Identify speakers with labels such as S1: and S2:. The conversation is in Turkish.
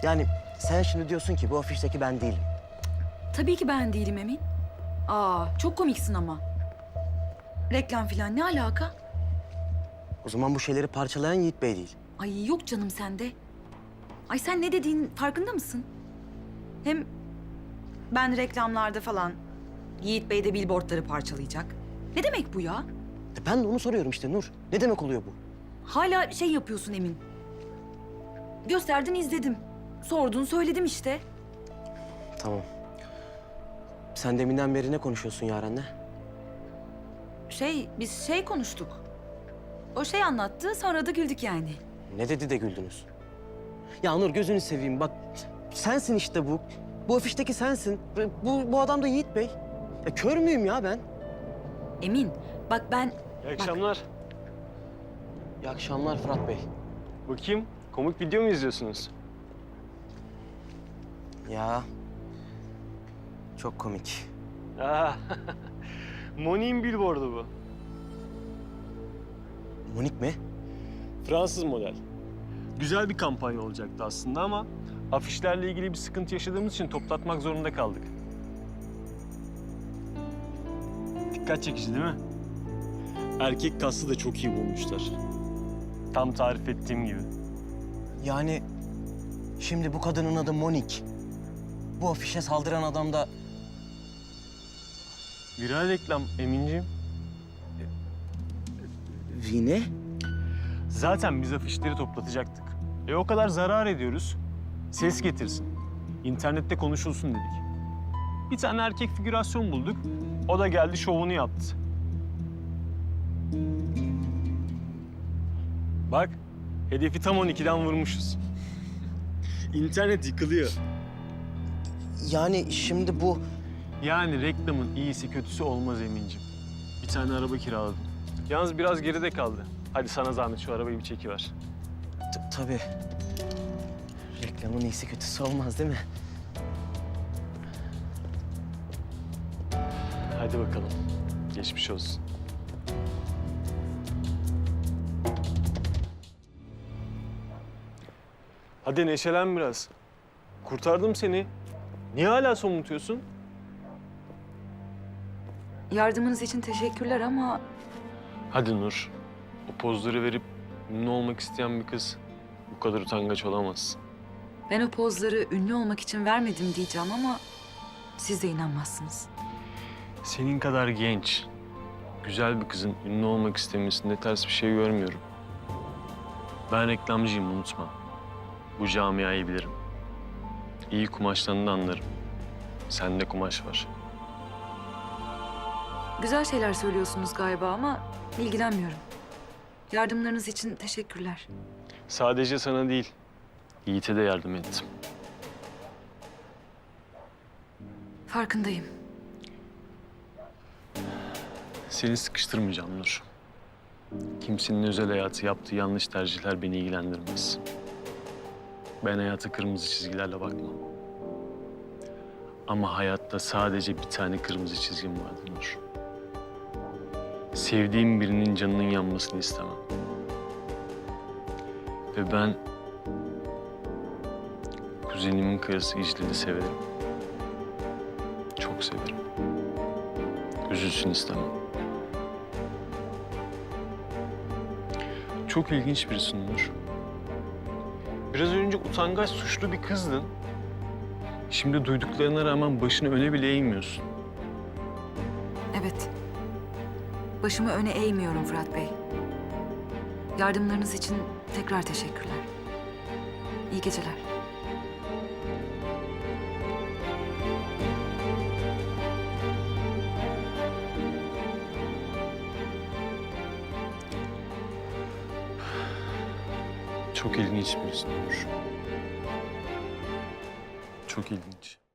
S1: Yani sen şimdi diyorsun ki bu afişteki ben değilim.
S2: Tabii ki ben değilim Emin. Çok komiksin ama. Reklam falan ne alaka?
S1: O zaman bu şeyleri parçalayan Yiğit Bey değil.
S2: Ay yok canım sende. Ay sen ne dediğin farkında mısın? Hem ben reklamlarda falan Yiğit Bey de billboardları parçalayacak. Ne demek bu ya?
S1: Ben de onu soruyorum işte Nur. Ne demek oluyor bu?
S2: Hala şey yapıyorsun Emin. Gösterdin izledim. Sordun söyledim işte.
S1: Tamam. Sen deminden beri ne konuşuyorsun Yaren'le?
S2: Biz konuştuk. O şey anlattı sonra da güldük yani.
S1: Ne dedi de güldünüz? Ya Nur gözünü seveyim bak. Sensin işte bu. Bu afişteki sensin. Bu adam da Yiğit Bey. Ya kör müyüm ya ben?
S2: Emin bak ben...
S3: İyi akşamlar.
S1: İyi akşamlar Fırat Bey.
S3: Bakayım, komik video mu izliyorsunuz?
S1: Ya çok komik.
S3: Aa, Monique'in billboardu bu.
S1: Monik mi?
S3: Fransız model. Güzel bir kampanya olacaktı aslında ama afişlerle ilgili bir sıkıntı yaşadığımız için toplatmak zorunda kaldık. Dikkat çekici değil mi? Erkek kası da çok iyi bulmuşlar. Tam tarif ettiğim gibi.
S1: Yani şimdi bu kadının adı Monik. Bu afişe saldıran adam da
S3: Viral reklam Emin'ciğim.
S1: Vine.
S3: Zaten biz afişleri toplatacaktık. O kadar zarar ediyoruz. Ses getirsin. İnternette konuşulsun dedik. Bir tane erkek figürasyon bulduk. O da geldi şovunu yaptı. Bak, hedefi tam 12'den vurmuşuz. İnternet yıkılıyor.
S1: Yani şimdi bu...
S3: Yani reklamın iyisi kötüsü olmaz Emin'ciğim. Bir tane araba kiraladım. Yalnız biraz geride kaldı. Hadi sana zahmet şu arabayı bir çekiver.
S1: Tabii. Reklamın iyisi kötüsü olmaz değil mi?
S3: Hadi bakalım. Geçmiş olsun. Hadi neşelen biraz. Kurtardım seni. Niye hala somutuyorsun?
S2: Yardımınız için teşekkürler ama
S3: Hadi Nur. O pozları verip ünlü olmak isteyen bir kız bu kadar utangaç olamaz.
S2: ben o pozları ünlü olmak için vermedim diyeceğim ama siz de inanmazsınız.
S3: Senin kadar genç, güzel bir kızın ünlü olmak istemesinde ters bir şey görmüyorum. Ben reklamcıyım, unutma. Bu camiayı bilirim. İyi kumaşlarını da anlarım. Sende kumaş var.
S2: Güzel şeyler söylüyorsunuz galiba ama ilgilenmiyorum. Yardımlarınız için teşekkürler.
S3: Sadece sana değil, Yiğit'e de yardım ettim.
S2: Farkındayım.
S3: Seni sıkıştırmayacağım Nur. Kimsenin özel hayatı, yaptığı yanlış tercihler beni ilgilendirmez. Ben hayata kırmızı çizgilerle bakmam. Ama hayatta sadece bir tane kırmızı çizgim vardır Nur. Sevdiğim birinin canının yanmasını istemem. Ve ben kuzenimin karısı İclal'i severim. Çok severim. Üzülsün istemem. Çok ilginç birisin Nur. Biraz önce utangaç, suçlu bir kızdın. Şimdi duyduklarına rağmen başını öne bile eğmiyorsun.
S2: Evet. Başımı öne eğmiyorum Fırat Bey. Yardımlarınız için tekrar teşekkürler. İyi geceler.
S3: Çok ilginç birisin Nur. Çok ilginç.